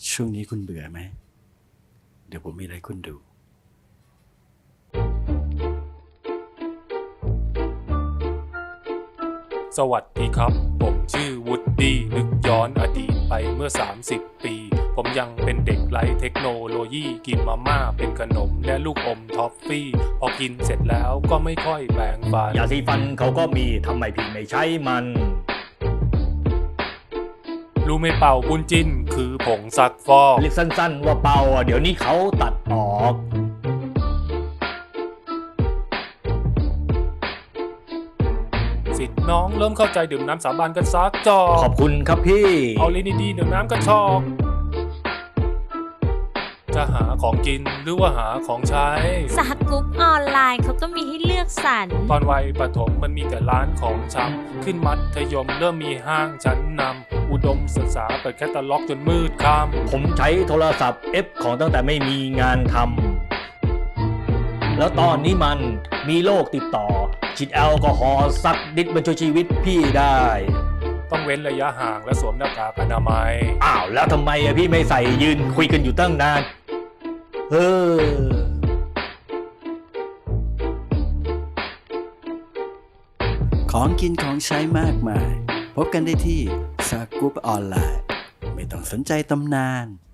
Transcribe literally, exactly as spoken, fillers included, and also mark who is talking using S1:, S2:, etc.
S1: ช่วงนี้คุณเบื่อไหม เดี๋ยวผมมีอะไรคุณดู
S2: สวัสดีครับ ผมชื่อวูดดี้นึกย้อนอดีตไปเมื่อสามสิบปี ผมยังเป็นเด็กไร้เทคโนโลยีกินมาม่าเป็นขนมและลูกอมท็อฟฟี่ พอกินเสร็จแล้วก็ไม่ค่อยแปรงฟัน
S3: ยาสีฟันเขาก็มีทำไมพี่ไม่ใช้มัน
S2: รู้ไหมเป่าบุญจิ้นคือผงซักฟอก
S3: เรียกสั้นๆว่าเป่าอ่ะเดี๋ยวนี้เขาตัดออก
S2: สิทธิ์น้องเริ่มเข้าใจดื่มน้ำสาบานกันซักจอ
S3: ขอบคุณครับพี่
S2: เอาลิ้นดีๆดื่มน้ำกระชอกจะหาของกินหรือว่าหาของใช้
S4: สหกรุ๊ปออนไลน์เขาก็มีให้เลือกสรร
S2: ตอนวัยประถมมันมีแต่ร้านของชำขึ้นมัธยมเริ่มมีห้างชั้นนำอุดมศึกษาเปิดแคตตาล็อกจนมืดค่ำ
S3: ผมใช้โทรศัพท์เอฟของตั้งแต่ไม่มีงานทำแล้วตอนนี้มันมีโรคติดต่อ ฉีดแอลกอฮอล์สักนิดมันช่วยชีวิตพี่ได้
S2: ต้องเว้นระยะห่างและสวมหน้ากากอนามัย
S3: อ้าวแล้วทำไมอะพี่ไม่ใส่ยืนคุยกันอยู่ตั้งนานเออ
S1: ของกินของใช้มากมาย พบกันได้ที่ซากรุ๊ปออนไลน์ ไม่ต้องสนใจตำนาน